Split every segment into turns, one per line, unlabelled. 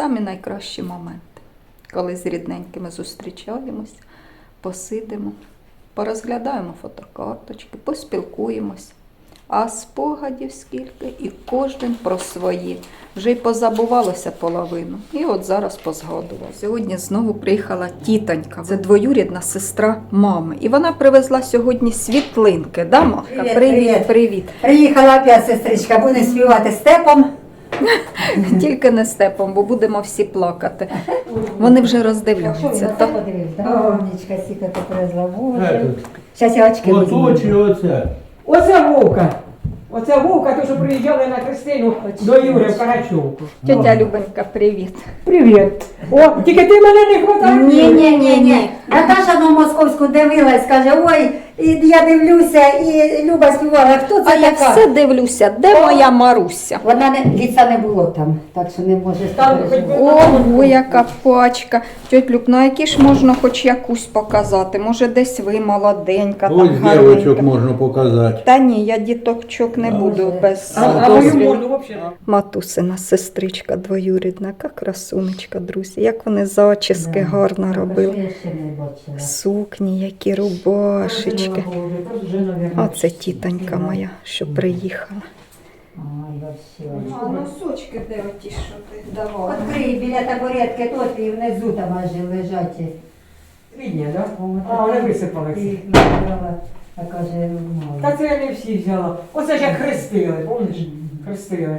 самі найкращі моменти, коли з рідненькими зустрічаємось, посидимо, порозглядаємо фотокарточки, поспілкуємось. А спогадів скільки, і кожен про свої. Вже й позабувалося половину. І от зараз позгадував. Сьогодні знову приїхала тітонька. Це двоюрідна сестра мами. І вона привезла сьогодні світлинки. Да, Махка? Привіт.
Приїхала опять сестричка, буде співати степом.
Тільки не степом, бо будемо всі плакати. Вони вже роздивляються.
Що подивився? Умничка, сіка ти привезла. Боже. Зараз я очки візьму.
Оце.
Оце Вовка. Оце Вовка, то що приїжджали на Христину до Юри в Карачовку.
Тетя Любонька, привіт.
Привіт. О, тільки ти мене не хватає.
Ні. Наташа на московську дивилась, каже, ой, і я дивлюся, і Люба співала. Хто це
А я
така?
все дивлюся, де моя Маруся?
Вона ліца не було там, так що не може
Там хоч би-
Ого, яка пачка. Тьоть Люб, ну які ж можна хоч якусь показати? Може десь ви молоденька,
Ось
там
дівочок
гарненька.
можна показати.
Та ні, я діточок не буду без
А мою
дозвілу.
морду взагалі.
Матусина сестричка двоюрідна, яка красунечка, друзі. Як вони зачіски гарно робили.
Я ще не бачила.
Сукні, які рубашечки. Оце тітонька моя, що приїхала.
Ой, вообще.
А носочки де оті, що ти давала?
Відкрий біля табуретки тут і внизу там аж лежать.
Рідня, так?
О,
А, вони
Ти
висипалися.
їх набрала, а каже, мало.
Та це я не всі взяла. Оце ж як хрестили, пам'ятаєш? Хрестили.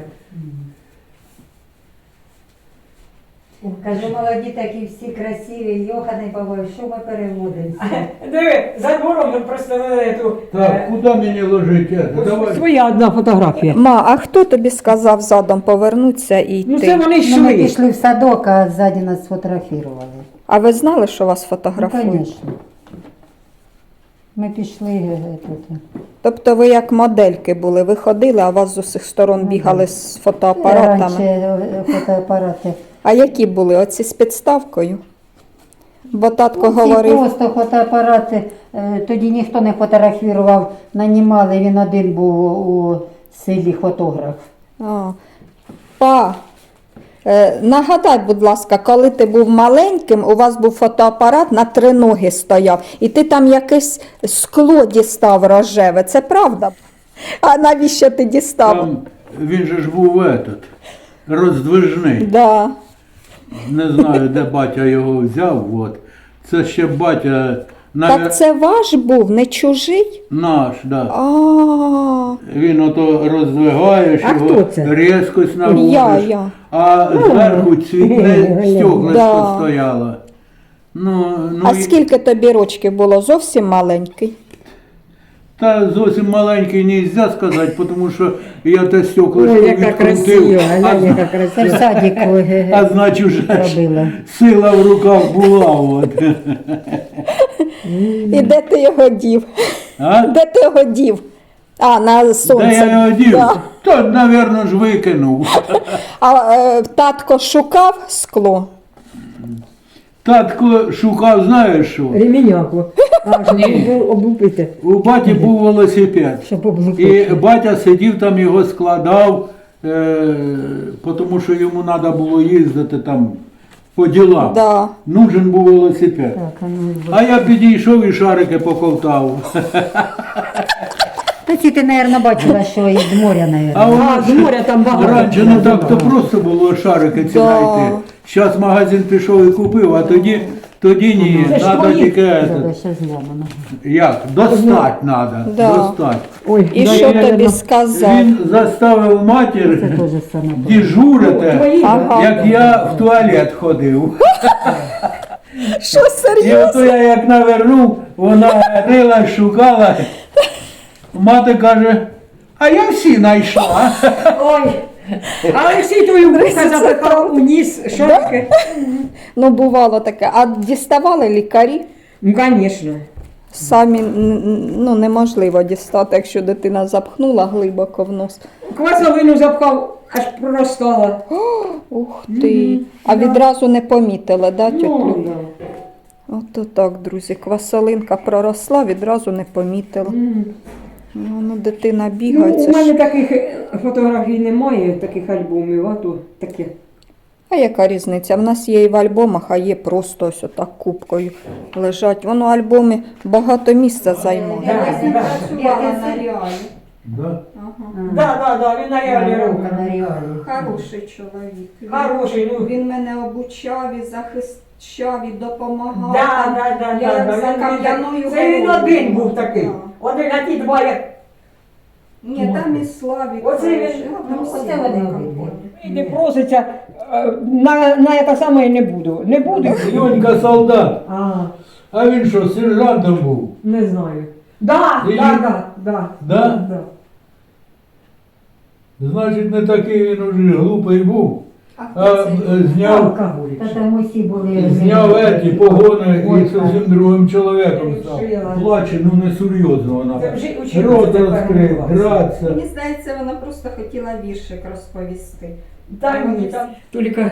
Каже, молоді такі всі красиві, Йоханий Бабой, що ми переводимося?
Диви, за двором ми проставили ту...
Так, куди мені ложити? Давай.
Своя одна фотографія.
Ма, а хто тобі сказав задом повернутися і йти?
Ну це вони
Ну, ми
йшли.
пішли в садок, а ззаді нас сфотографували.
А ви знали, що вас
Ну,
фотографують?
звісно. Ми пішли тут.
Тобто ви як модельки були, ви ходили, а вас з усіх сторон
Ну,
бігали
да.
з фотоапаратами.
Раніше фотоапарати.
А які були? Оці з підставкою? Бо татко
Всі
говорив,
просто фотоапарати, тоді ніхто не фотографував, нанімали, він один був у селі фотограф.
Нагадай, будь ласка, коли ти був маленьким, у вас був фотоапарат, на 3 ноги стояв, і ти там якесь скло дістав рожеве, це правда? А навіщо ти дістав?
Там він же ж був роздвижний.
Да.
Не знаю, де батя його взяв. От. Це ще батя
Так це ваш був, не чужий?
наш, да.
А,
Він ото роздвигаєш,
А
його
хто це?
різкость наводиш,
я.
а зверху цвітне стеклишко
Да.
стояло. Ну,
А скільки тобі рочків було? Зовсім маленький?
Та зовсім маленький не можна сказати, тому що я те стеклишко
Ой, яка красива,
відкрутив,
глянь, яка
Це в
красива.
садіку
а значить вже ж
робила.
сила в руках була. От.
І де ти його дів?
А?
Де ти його дів? А, на сонце.
Де я його дів?
Да.
То, мабуть, ж викинув.
А татко шукав скло?
Татко шукав, знаєш що?
Реміняку. Аж облупити.
У баті був велосипед.
Щоб облупити.
І батя сидів там, його складав, тому що йому треба було їздити там по ділам.
Да.
Нужен був велосипед.
Так, а ну,
А я підійшов і шарики поковтав.
Та ці ти, мабуть, бачила, що із моря,
А
мабуть.
А, з моря там багато.
раніше не так-то просто було шарики ці
Да.
знайти. Зараз магазин пішов і купив, а тоді ні.
Це ж
Треба
твої.
тільки
Тебе ще зламано.
як? Достать треба.
Да.
Достать.
Ой,
І
да,
що
я,
тобі
ну,
сказав?
Він заставив
Це
матір
теж саме.
дежурити,
твої,
Ага.
як я в туалет ходив.
Що
І
серйозно?
ото я як навернув, вона рила, шукала. Мати каже, а я всі знайшла.
Ой. А Олексій твою вуха запихав у ніс шапки.
Ну, бувало таке. А діставали лікарі?
Ну, звісно.
Самі ну, неможливо дістати, якщо дитина запхнула глибоко в нос.
Квасовину запхав, аж проростала.
Ух ти. А відразу не помітили, да, тьоть
Ну,
Люб?
да.
Ото так, друзі. Квасолинка проросла, відразу не помітила. Ну, дитина
Ну,
бігає.
у
Це
мене
ж...
таких фотографій немає, таких альбомів, а то таке.
А яка різниця? В нас є і в альбомах, а є просто ось отак кубкою лежать. Воно альбоми багато місця займає.
Да,
Я
да.
працювала на реалі.
Да?
Ага.
Да, він на реалі робить.
На реалі.
Хороший чоловік.
Хороший, ну.
Він мене обучав і захищав, і допомагав.
Да,
Там
да, да,
я
да,
як за
да.
кам'яною
Це він
горою
один
була.
був такий.
Да.
Один, а ті два як.
Ні, там і Славік.
Оце він-
хороший. Там
оце
всі
вони
були.
обидві.
І не проситься, на це саме і не буду. Не буду.
Йонька солдат.
А,
А він що, сержантом був?
не знаю. Да,
І-
да.
Да? Значить, не такий він уже глупий був.
А
А
хто це?
зняв,
Алкоголік.
Та там усі були.
зняв еті погони
Ой,
і зовсім другим чоловіком став.
Жила.
Плаче, ну не серйозно вона.
Це вже училася
Рот
тепер
розкрив,
клас.
гратися.
Мені здається, вона просто хотіла віршик розповісти.
Та ні, там тільки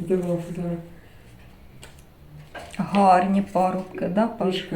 Гарні парубки, да, Паш?
пішка.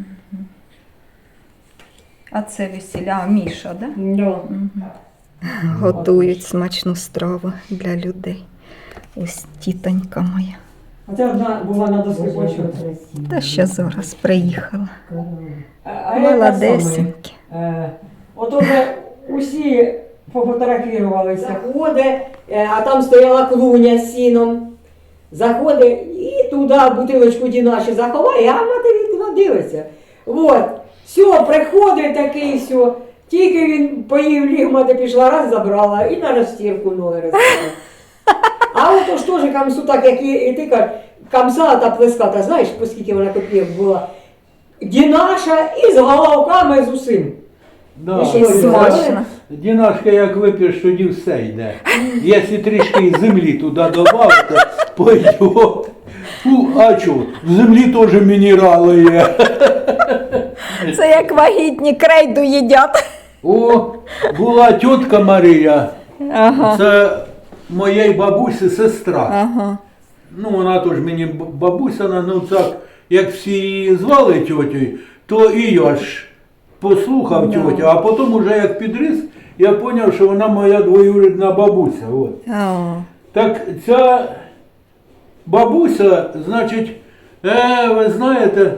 А це весіля, а Міша, да?
Да.
Готують смачну страву для людей. Ось тітонька моя.
А це одна була на доску
Дуже
почути.
красиво.
Та ще зараз приїхала.
А я те саме.
Молодесенькі.
От уже усі пофотографувалися. Заходить, а там стояла клуня з сіном. Заходить і туди бутилочку дінаші заховає, а мати вікна дивиться. От, все, приходить такий, все. Тільки він поїв ліг, мати пішла, раз забрала і на розстірку ноги розставила. А от ж теж камсу, так як і ти кажеш, камса та плеската, знаєш, по скільки вона копійок була. Дінаша і з головками з усім.
Да.
І що,
І смачно.
Дінашка, як вип'єш, тоді все йде. Якщо трішки землі туди додати, пойде. А чого? В землі теж мінерали є.
Це як вагітні крейду їдять.
О, була тітка Марія,
Ага.
це моєї бабусі сестра.
Ага.
Ну, вона теж мені бабуся, ну так, як всі її звали тьотю, то і я ж послухав
Да.
тьотю, а потім уже як підріс, я зрозумів, що вона моя двоюрідна бабуся. От.
О.
Так ця бабуся, значить, ви знаєте,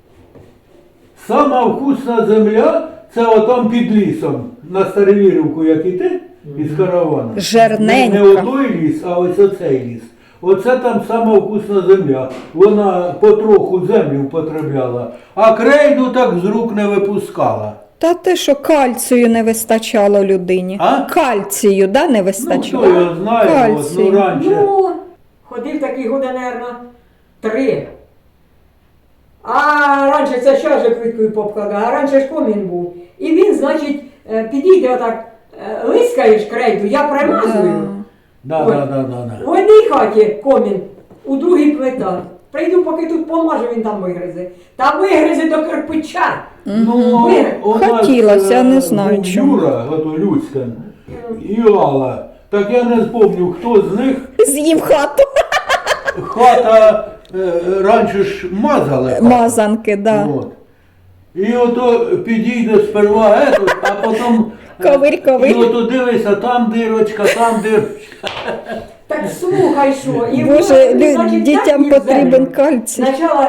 сама вкусна земля, це отам під лісом, на Старовірівку, як іти, із караваном.
Жерненька.
Не отой ліс, а ось оцей ліс. Оце там сама вкусна земля. Вона потроху землю употребляла, а крейду так з рук не випускала.
Та те, що кальцію не вистачало людині.
А?
Кальцію, да, не
Ну,
вистачало?
хто його знає, от,
Кальцій.
ну раніше.
Ну, ходив такий года, наверно, 3. А раніше це ще ж квиткою попкладав, а раніше ж комін був. І він, значить, підійде отак, лискаєш крейду, я примазую.
Да,
Ой.
да.
В одній хаті комін, у другій плита. Прийду, поки тут помажу, він там вигризе. Та вигризе до кирпича.
Ну, у нас,
Хотілося, не знаю
був
чому.
Юра, ото Люцька, і Алла. Так я не спомню, хто з них
З'їв хату.
хата раніше ж мазали. хату.
Мазанки, да.
От. І ото підійде сперва етот, а потім
Ковирь.
і ото дивися, там дирочка, там дирочка.
Так слухай, що. І
Боже,
воно, значить,
дітям
так їв
потрібен
землю.
кальцій.
Спочатку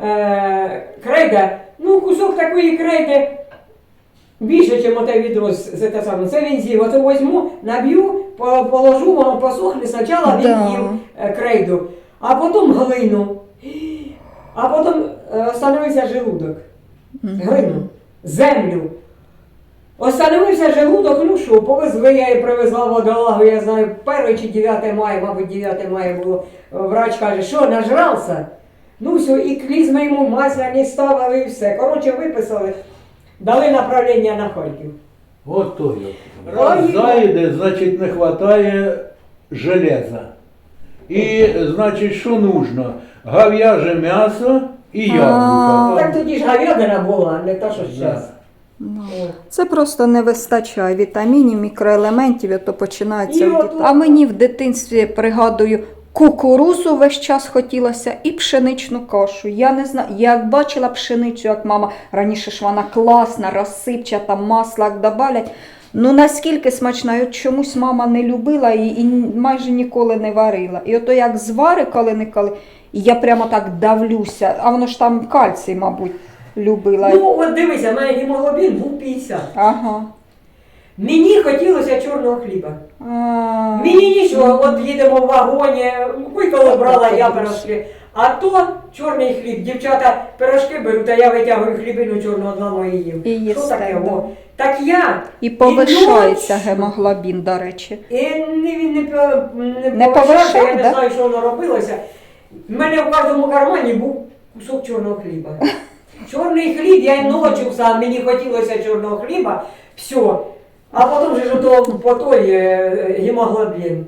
крейда, ну кусок такої крейди більше, ніж оте відро з те саме. Це він з'їв. Оце возьму, наб'ю, положу, воно посохне. Спочатку він
Да.
їв крейду, а потім глину. А потім остановився желудок. Глину, землю. Остановився желудок, ну що, повезли, я і привезла водолагу, я знаю, 1 чи 9 мая, мабуть, 9 мая було. Врач каже, що, нажрався? Ну все, і клізми йому масляні ставили і все. Коротше, виписали, дали направлення на Харків.
От то я. Раз
Ой.
зайде, значить не вистачає железа. І, значить, що нужно? Говяже м'ясо і яблука.
Так тоді ж говядина була, не та, що зараз.
Це просто не вистачає вітамінів, мікроелементів, і то починається.
І
в
от-
дит- А мені в дитинстві, пригадую, кукурузу весь час хотілося і пшеничну кашу. Я не знаю, я як бачила пшеницю, як мама, раніше ж вона класна, розсипчата, масло як добавлять. Ну наскільки смачна, і от чомусь мама не любила і майже ніколи не варила. І ото як звари коли-неколи, і я прямо так давлюся, а воно ж там кальцій, мабуть, любила.
Ну, от дивися, в мене гемоглобін був 50.
Ага.
Мені хотілося чорного хліба.
А,
Мені нічого, от їдемо в вагоні, коли брала я пирожки. А то чорний хліб. Дівчата пирожки беруть, а я витягую хлібину чорного одного і їм.
І їсте,
Що таке?
да.
О? Так я.
І повишається
ночі-
гемоглобін, до речі.
І він не
Не
повишався,
повишав,
я не
да?
знаю, що воно робилося. В мене в кожному кармані був кусок чорного хліба. Чорний хліб, я й ночі сам, мені хотілося чорного хліба, все. А потім же ж ото по той гемоглобін.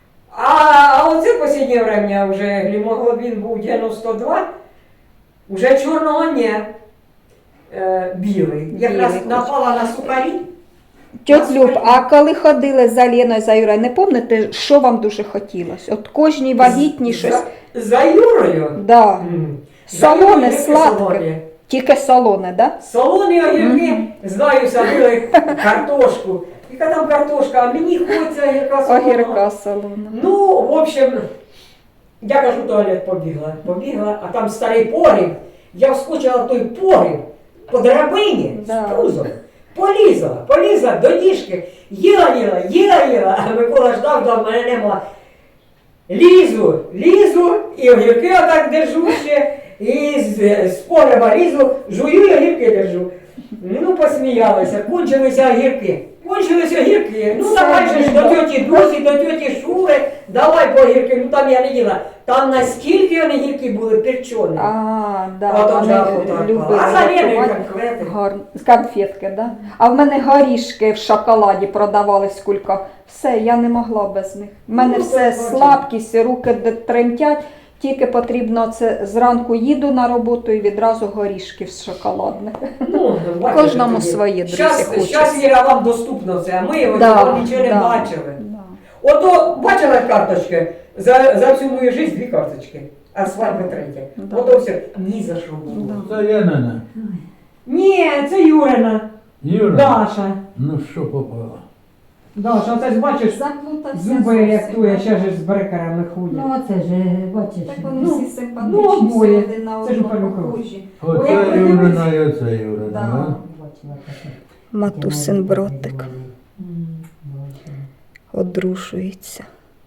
А оце останнє время вже гемоглобін був 92, вже чорного ні. Білий. Якраз
Білий.
напала на сухарі.
Тьот Люб, а коли ходили за Леною, за Юрою, не пам'ятаєте, що вам дуже хотілося? От кожній вагітній щось.
За Юрою.
Да.
За
Солоне,
Юрою
сладке.
солоне.
Тільки солоне, да?
Солоні огірки, знаю, садили картошку. Яка там картошка, а мені хочеться огірка солона.
Огірка солона.
Ну, в общем, я кажу, в туалет побігла, а там старий погріб. Я вскочила в той погріб по драбині
Да.
з пузом. Полізла до діжки, їла, а Микола ждав, мене нема. Лізу, і огірки отак держу ще, і з погреба лізу, жую і огірки держу. Ну, посміялися, кончилися огірки. Ну,
Це
давай же ж до
біда.
тьоті Дусі, до тьоті Шури, давай по огірки, ну там я не їла. Там наскільки вони гірки були перчені.
А, да,
А там же
вони
охота
любили
відпала. А за Леною
готувати.
конкрети.
Гарно. Конфетки, да? А в мене горішки в шоколаді продавались кулька. Все, я не могла без них. У мене
Ну,
все
так, бачиш.
слабкість, руки тремтять. Тільки потрібно це зранку їду на роботу і відразу горішки з шоколадних.
Ну, бачите,
Кожному
тоді.
своє, друзі,
Щас,
хочеться.
Віра, вам доступно це, а ми його нічого не бачили.
Да.
Ото бачила карточки? За всю мою життя 2 карточки, а свадьба 3.
Да.
Ото все. Ні за що було.
Да.
Це Янина.
Ні, це Юрина.
Юра,
Даша.
ну що попало?
Даша, оце ж бачиш,
Заплутався
зуби
зовсім.
рятує, ще ж з брекерами ходять.
Ну, оце ж, бачиш.
Так вони
Ну,
всі
ну,
симпатичні, всі
обоє.
один на
Це ж
одного
Павлюков.
похожі.
Оце
Ой, як
Юрина і оце Юрина.
Да.
Да.
Бачила таке.
Матусин братик
Бачила.
одружується.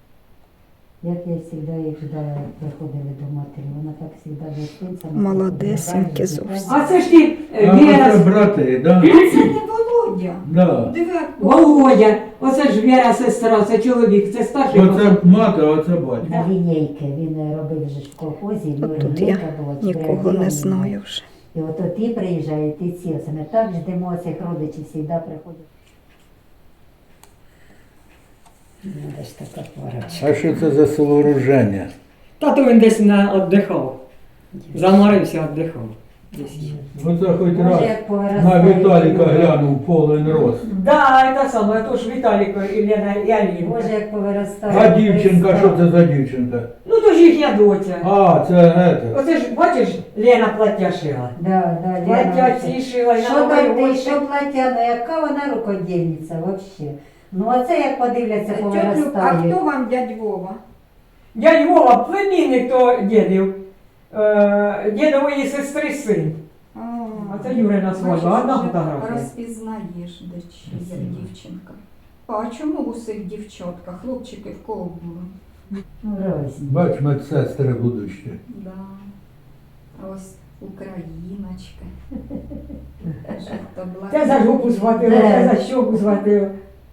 Як я завжди їх ждала, як приходили до матері, вона так завжди гостинця.
Молодесенькі зовсім.
А це ж ти,
А
Віра,
оце брати, да?
Це не Володя.
Да.
Диви,
Володя, оце ж Віра сестра, це чоловік, це старший.
Оце мати, а оце батько.
На лінійки він робив вже в колхозі,
От тут я нікого не знаю вже.
І от ті приїжджають, і ці, оце ми так ждемо цих родичів, завжди приходять. Де ж така парочка.
А що це за сооруження?
Тато він десь віддихав. Заморився, віддихав.
Оце хоч
Може,
раз
як повиростає.
на Віталіка глянув повен рост.
Да, це саме, то ж Віталіко і Лена і Аліна.
Може, як повиростає.
А дівчинка, що це за дівчинка?
Ну то ж їхня доця.
А, це ете.
Оце ж, бачиш, Лена плаття шила.
Да, да,
Плаття
Лена,
ці шила, і
що
на
там
новий
ти, що плаття, ну яка вона рукодільниця взагалі. Ну оце як подивляться,
А
повиростає.
хто вам дядь Вова?
Дядь Вова, племінник то дідів. Дідової сестри син. А це Юрина свадьба, одна фотографія.
Розпізнаєш, де чи є дівчинка. А чому у цих дівчатках? Хлопчики в кого були?
Ну, розні.
Бач, медсестри будущі.
Да. А ось україночка.
Це за жопу схватила, це за щоку схватила.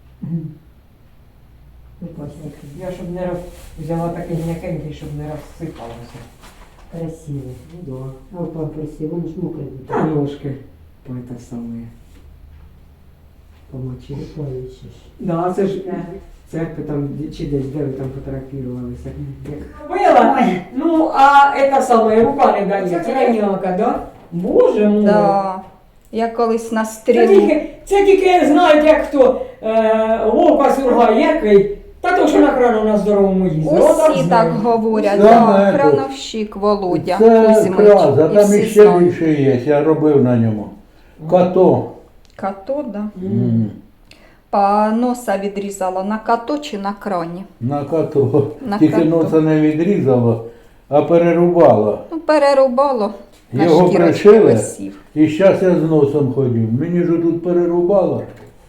Я щоб не взяла такий м'якенький, щоб не розсипалося.
Красиво.
Ну да.
А в памперсі, воно ж мокре.
Та ножки. Ой, те саме. Помочили.
Бачиш.
Да, це ж церкви там, чи десь, де ви там фотографувалися. Робила? Ну, а це саме, рука не дає, тіранялка, да? Боже мой.
Да. Я колись на
Це
стрілу.
тільки знають, як хто Вовка Сургай, який, та то, що на крану на здоровому їздить.
Усі так говорять,
Саме
да,
тут.
крановщик Володя
Це
Кузьмич.
краз, а
І
там
всі
іще
знають.
більше є, я робив на ньому. Като.
Като, да.
М.
Па носа відрізало на като чи на крані?
На като.
На
Тільки
като.
носа не відрізало, а перерубало.
Ну, перерубало. На
Його
шкірочку
пришили,
висів.
і зараз я з носом ходив. Мені ж тут перерубало.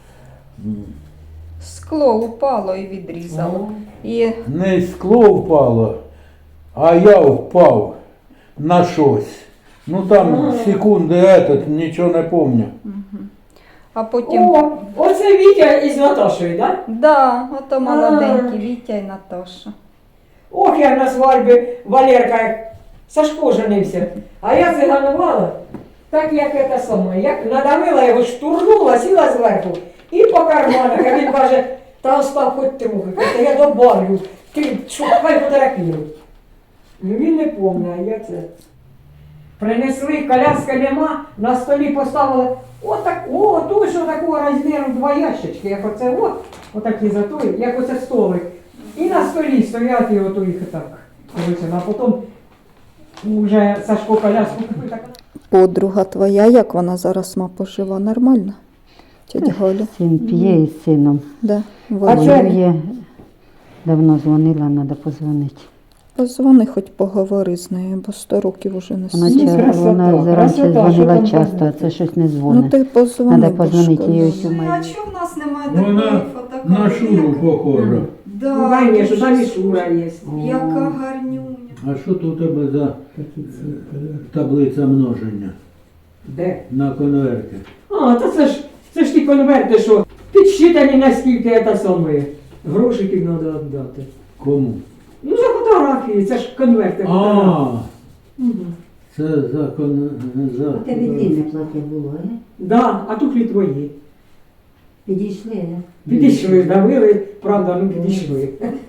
Скло упало і відрізало. І
Не скло впало, а я впав на щось. Ну там секунди нічого не пам'ятаю.
а потім.
О, оце Вітя із Наташою, так?
Да, ото молоденькі Вітя і Наташа.
Ох, як на свадьбі Валерка, як Сашко женився. А я циганувала, так як це саме. Як надавила його, штурнула, сіла зверху і по карманах. А він каже, та остав хоч трохи, та я добавлю, ти шукай фотографію. Ну він не пам'ятає, а я це. Принесли, коляска нема, на столі поставили, отак, о, той, що такого розміру, 2 ящички, як оце, отакі за той, як оце столик. І на столі стоять і ото їх так. А потім вже Сашко коляску купив так.
Подруга твоя, як вона зараз пожива? Нормально? Тетя Галя?
Син п'є із сином.
Да.
А
Вона.
є. Давно дзвонила, треба позвонити.
Позвони, хоч поговори з нею, бо 100 років уже не
Вона,
сидить.
красота,
вона раніше
красота, що
дзвонила
там
часто, а
позвонити?
це щось не
Ну
дзвонить.
ти позвони.
Треба позвонити
бо
їй
ж
ось у
коли-
мене.
А чого в нас немає
Вона
такої фотокартки?
на Шуру похожа.
Да,
Ну, конечно,
дуже
там і Шура є.
Яка гарнюня.
А що тут у тебе за таблиця множення
Де?
на конверті?
А, та це ж ті конверти, що підсчитані наскільки це саме. Грошиків треба віддати.
Кому?
Ну, за фотографії, це ж конверти. фотографії. Мгм.
Це за за.
плаття було, а?
Да, а тут і твої.
Підійшли, а?
Підійшли, давили, правда, ну підійшли.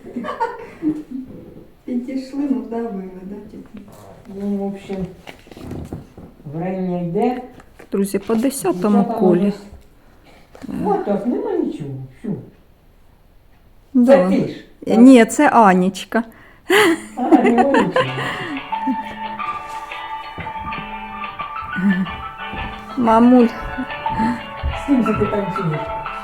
Підійшли, ну давили, да, типу.
Ну, в общем, время йде.
Друзі, по 10-му
Дівчата
колі.
ось. От так, нема нічого. Що?
Да.
Це ти ж.
Ні, це Анічка.
А, нема нічого.
Мамуль,
З ким це ти танцюєш?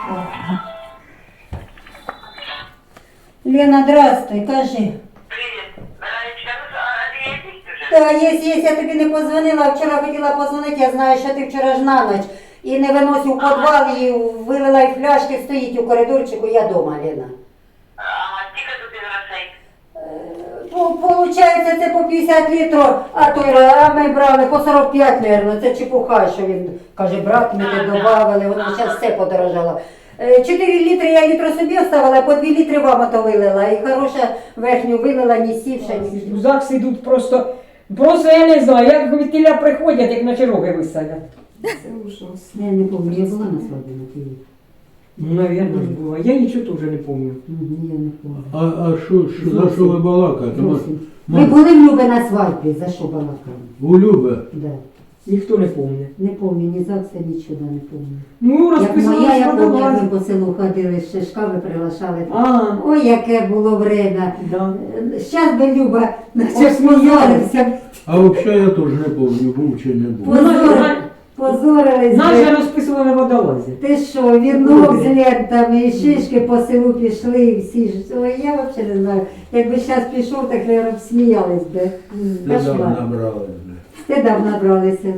Лена, здравствуй, кажи.
Привет. А ты есть уже?
Та, є, я тобі не позвонила, вчора хотіла позвонити, я знаю, що ти вчора ж на ніч. І не виносив у підвал, і вилила і фляшки, стоїть у коридорчику, я дома, Лена.
Ага, сколько тут из грошей?
Получається, це по 50 літрів, а ми брали по 45, мабуть, це чепуха, що він каже, брат, ми не додавали, воно зараз все подорожало. 4 літри я літру собі оставила, по 2 літри вам ото вилила, і хороша верхню вилила, ні сівша, ні
В ЗАГС ідуть просто я не знаю, як від тіля приходять, як на чероги висадять.
це ужасно.
Я не пам'ятаю, я була на свадьбі на Києві.
Ну, навірно ж було. Я нічого теж не пам'ятаю.
Я не пам'ятаю.
А що за що ви балакаєте?
Зовсім. Ви були в Любе на свадьбі, за що балакали?
У Любе?
Да.
Ніхто не пам'ятає.
Не пам'ятаю, ні ЗАГСа, нічого не пам'ятаю.
Ну,
Як
розписували
моя, я пам'ятаю,
продавати.
ми по селу ходили, ще шкафи приглашали.
А,
Ой, яке було время.
да.
Щас би Люба, наче
Посміялися.
позорився.
А взагалі я теж не пам'ятаю, був чи не був.
Позорились.
Нас
би.
же розписували водолазі.
Ти що, вінок з лентами і шишки по селу пішли і всі ж. Ой, я взагалі не знаю. Якби зараз пішов, так, мабуть, сміялись би.
Недавно
Кошмар.
набрали.
Стидав набралися.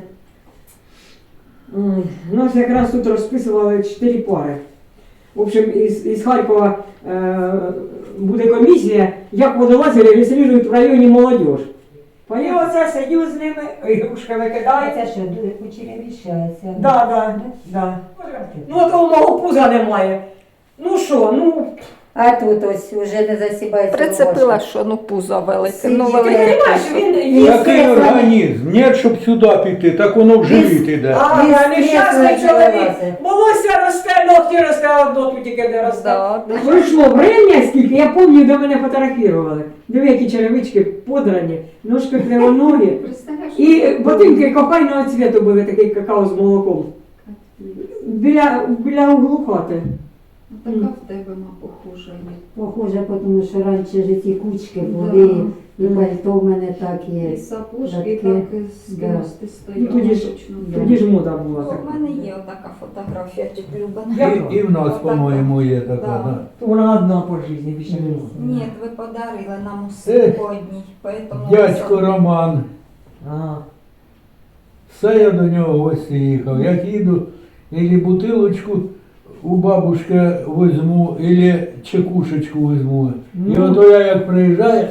Ой, нас якраз тут розписували 4 пари. В общем, із Харкова буде комісія, як водолази реєструють в районі молодіж. І оце сидю з ними, ігрушки викидається.
Це що, кучерявішається?
Да. Ну от у мого пуза немає. Ну що, ну,
А тут ось уже не засібається.
Прицепила,
рубашка.
що ну пузо велике.
Сидіть.
Ну,
ти
велике.
розумієш, він їсть.
Який організм? Ні, щоб сюди піти, так воно в живіт іде.
А,
Він
нещасний
стресує,
чоловік.
вилазить.
Волосся росте, ногті росте, одно тут тільки не росте.
Да, да.
Пройшло время скільки, я пам'ятаю, де мене фотографували. Диви, які черевички подрані, ножки кривоногі.
Представляєш?
І ботинки кокайного цвіту були, такий какао з молоком. Біля углу хати.
Така в тебе, ма, похожа є.
Похоже, тому що раніше ж ці кучки були, І пальто в мене так є.
І сапожки
Жакет.
так з
Да.
кости
Ну,
стоять.
тоді ж мода була
У
така.
мене є отака фотографія Люба.
І в нас,
Отака.
по-моєму, є така.
Да.
Да.
Вона одна по житті, більше не
Ні, ви подарили нам усе по одній. Поэтому
Дядько
ми
Роман.
А,
Все я до нього в гості їхав. Як їду, ілі бутилочку у бабушки візьму, ілі чекушечку візьму. І
Ну.
ото я як приїжджаю,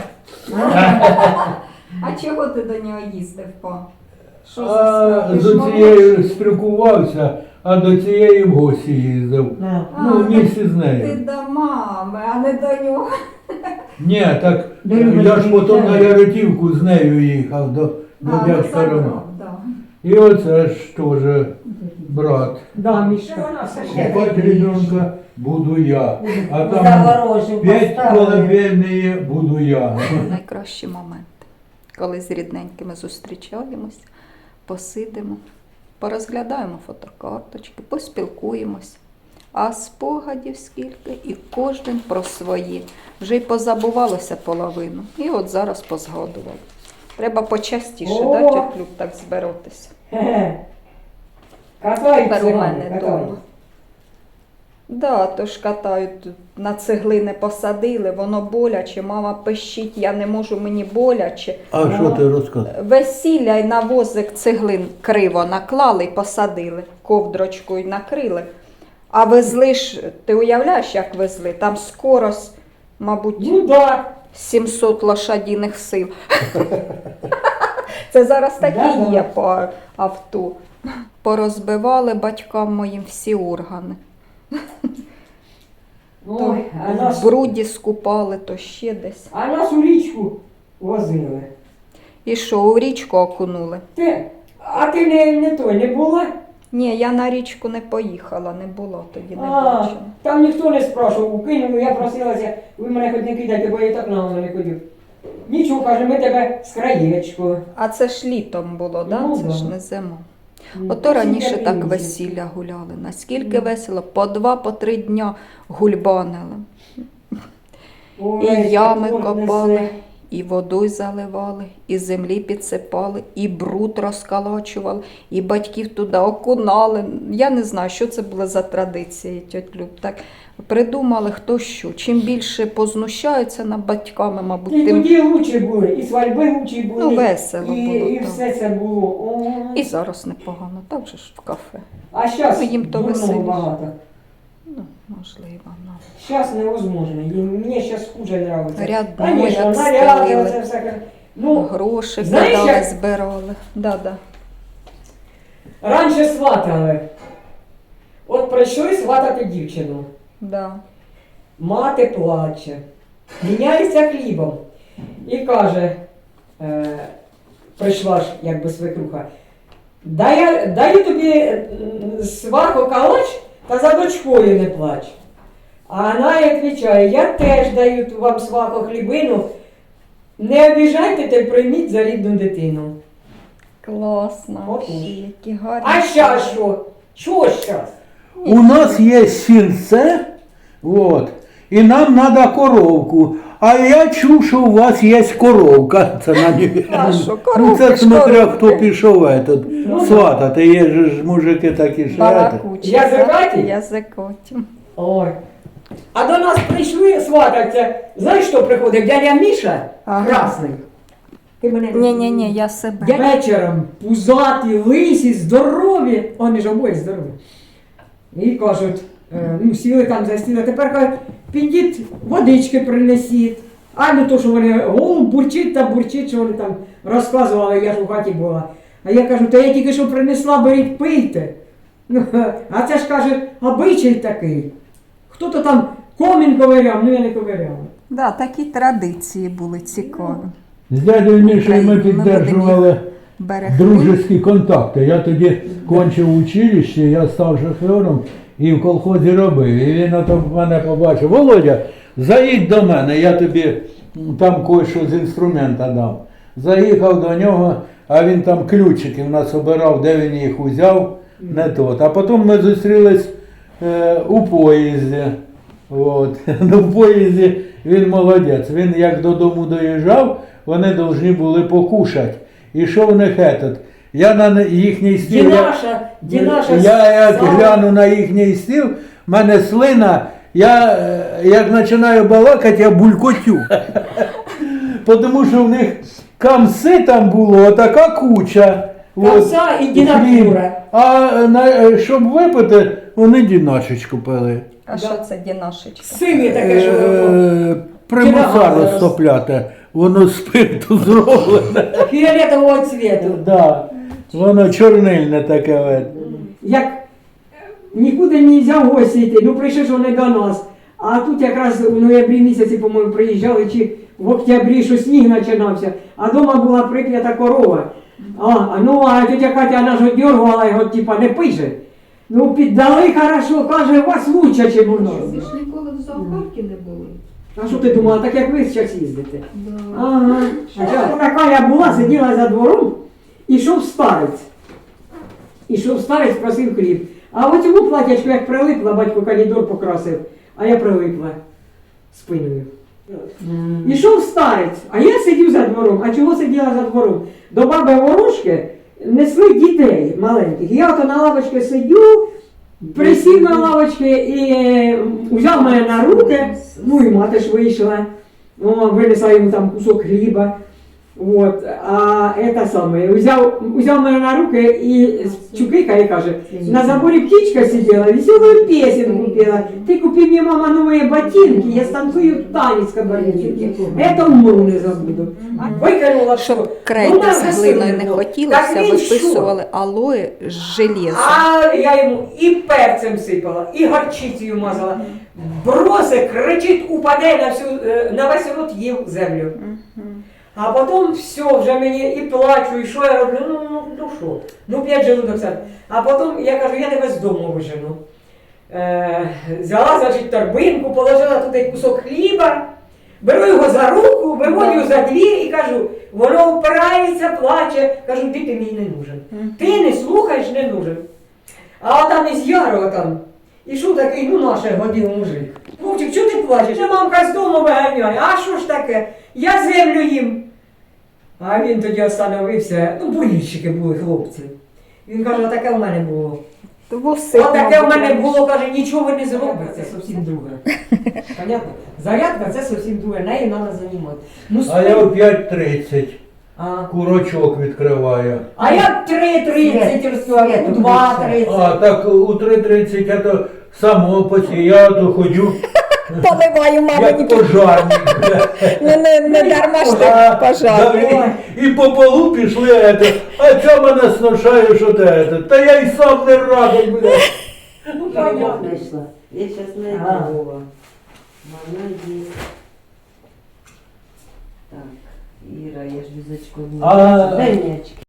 А чого ти до нього їздив по? Що за
а
справа? Ти
з
ж
цією
молодший.
спілкувався, а до цієї в гості їздив.
на.
Ну, в місті з
Ти
нею.
до мами, а не до нього.
Ні, так
До
я
Любочки
ж потім на
їхав.
Яретівку з нею їхав до
А, ну,
дядька
забрав,
Романа.
да.
І оце ж теж брат.
Да, Мішка. Вона все ще.
Купать ребенка буду я. А там
Загорожу
5
поставили.
колыбельные буду я.
Найкращі моменти, коли з рідненькими зустрічаємось, посидимо, порозглядаємо фотокарточки, поспілкуємось. А спогадів скільки, і кожен про свої. Вже й позабувалося половину. І от зараз позгадували. Треба почастіше,
О!
да, тьоть Люб, так збиратися.
Хе-хе. Катають
Тепер у
цигани,
мене
катають.
вдома. Да, то ж катають, на цеглини посадили, воно боляче, мама пищить, я не можу, мені боляче.
А що ти розказуєш?
Весілля й на возик цеглин криво наклали й посадили, ковдрочкою накрили. А везли ж, ти уявляєш, як везли? Там скорость, мабуть,
Ну да.
700 лошадиних сил. Це зараз такі
Да-да.
є по авто. Порозбивали батькам моїм всі органи.
Ой, а
В
нас,
бруді скупали, то ще десь.
а нас у річку возили.
І що, у річку окунули?
А ти не була?
Ні, я на річку не поїхала, не було тоді, не
А,
бачила.
там ніхто не спрашував, укинули, я просилася, ви мене хоч не кидайте, бо я так на воно не ходив. Нічого, каже, ми тебе з краєчкою.
А це ж літом було, да?
Ну,
Це
да.
ж не зимою.
Ну,
Ото раніше
всі
так
такі
весілля гуляли. Наскільки весело, по 2-3 дня гульбанили.
Ой,
І ями
Бог
копали,
несе.
і водою заливали, і землі підсипали, і бруд розкалачували, і батьків туди окунали. Я не знаю, що це було за традиції, тьоть Люб. Так придумали хто що. Чим більше познущаються над батьками, мабуть,
І
тим
тоді лучі були, і свадьби лучі були.
ну, весело
і,
було.
і
так.
все це було. Ой.
І зараз непогано, так же ж в кафе.
А зараз
Ну, їм то
дурного
веселіше.
багато.
Ну, можливо, ну.
Зараз невозможно. І мені зараз хуже нравиться.
Рядно,
Конечно,
як
наряди,
стелили.
оце все. Ну,
Гроші
знаєш,
кидали,
як-
збирали. Да.
раніше сватали. От прийшли сватати дівчину.
Да.
Мати плаче, міняється хлібом. І каже, прийшла ж якби свекруха, даю тобі сваху калач, та за дочкою не плач. А вона їй відповідає, я теж даю вам сваху хлібину, не обіжайте та й прийміть за рідну дитину.
Класно.
От.
Які гарні.
А щас що? Що щас?
У нас є сільце, вот, і нам треба коровку. А я чув, що у вас є коровка. Це на
А що,
Ну
коровки
це
ж
смотря
коровки.
хто пішов этот,
Ну,
сватати. Є ж мужики такі що.
Балакучі.
Язикаті?
Язикоті.
Ой. А до нас прийшли свататься. Знаєш, що приходить? Дядя Міша,
Ага.
красний. Ти мене не
Ні, я себе.
Я вечором пузаті, лисі, здорові. Вони ж обоє здорові. І кажуть, ну сіли там за стіл, а тепер кажуть, підіть водички принесіть. А ну то, що вони голуб бурчить та бурчить, що вони там розказували, я ж у хаті була. А я кажу, та я тільки що принесла, беріть, пийте. Ну, а це ж каже, обичай такий. Хто-то там комін ковиряв, ну я не ковиряв.
Да, такі традиції були цікаві.
З дядею Мішею ми
Україна,
підтримували
Берегли.
дружеські контакти. Я тоді кончив училище, я став шофером і в колхозі робив. І він ото мене побачив: Володя, заїдь до мене, я тобі там кое-що з інструмента дам. Заїхав до нього, а він там ключики в нас обирав, де він їх узяв, не тот. А потім ми зустрілись у поїзді. От. Ну, в поїзді він молодець. Він як додому доїжджав, вони повинні були покушати. І що в них этот? Я на їхній стіл.
Дінаша.
Я як гляну на їхній стіл, в мене слина, я як починаю балакати, я булькотю. Тому що в них камси там було, така куча.
Камса і дінатура.
Щоб випити, вони дінашечку пили.
А що це дінашечка?
Синє таке, що воно.
Примуса
Кіра-
розтопляти, воно з спирту зроблене.
Фіолетового цвіту.
Да. Воно чорнильне таке.
Як нікуди не можна в гості йти, ну прийшли ж вони до нас. А тут якраз у ноябрі місяці, по-моєму, приїжджали, чи в октябрі, що сніг починався, а вдома була прип'ята корова. А тетя Катя вона ж одергувала його, типа, не пише. Ну, піддали хорошо, каже, у вас лучше, ніж у нас.
Ви ж ніколи в зоопарку не були.
А що ти думала, так як ви зараз їздите?
Да.
Ага. А така я була, сиділа за двором, ішов старець. Ішов старець, просив хліб. А в цьому платячку, як прилипла, батько калідор покрасив, а я прилипла спиною. Ішов старець, а я сидів за двором. А чого сиділа за двором? До баби ворожки несли дітей маленьких. Я ото на лавочці сидю, присів на лавочці і взяв мене на руки, ну і мати ж вийшла, винесла йому там кусок хліба. Вот. А это самое, взяв мене на руки і чукикає, каже, на заборі птичка сидела, веселую песенку пела. Ты купи мне, мама, новые ботинки, я станцую танец кабардинки. Это умру не забуду. Викинула все.
Щоб крейду з глиною не хотілося, виписували алої з железом.
А я йому і перцем сипала, і горчицею мазала. Броси, кричить, упаде на весь рот їв землю. А потім все, вже мені і плачу, і що я роблю, ну що, ну 5 желудок сад. А потім я кажу, я тебе з дому вижену. Взяла, значить, торбинку, положила туди кусок хліба, беру його за руку, виводю за двір і кажу, воно впирається, плаче, кажу, ти мені не нужен. Ти не слухаєш, не нужен. А там із Ярова там, ішов такий, ну наше годин мужик. Вовчик, чого ти плачеш? Я мамка з дому виганяє. А що ж таке? Я землю їм. А він тоді остановився, ну болільщики були хлопці. Він каже, отаке в мене було. Отаке в мене було, каже, нічого ви не зробите, це зовсім друге. Понятно? Зарядка це зовсім друге, нею треба займати. Ну,
А я о 5:30
а.
курочок відкриваю.
А я 3:30 розповідаю, у 2:30.
А так у 3:30 я то само я то ходжу,
Поливаю,
як пожарник.
не дарма ж так пожарний.
І по полу пішли, а ця мене сношає, що те. Та я й сам не радий, блядь.
Ну, понятно.
Знайшла. Я зараз не
Ага.
була. Молодець. Так, Іра, я ж візочку не
А-
Дай м'ячик.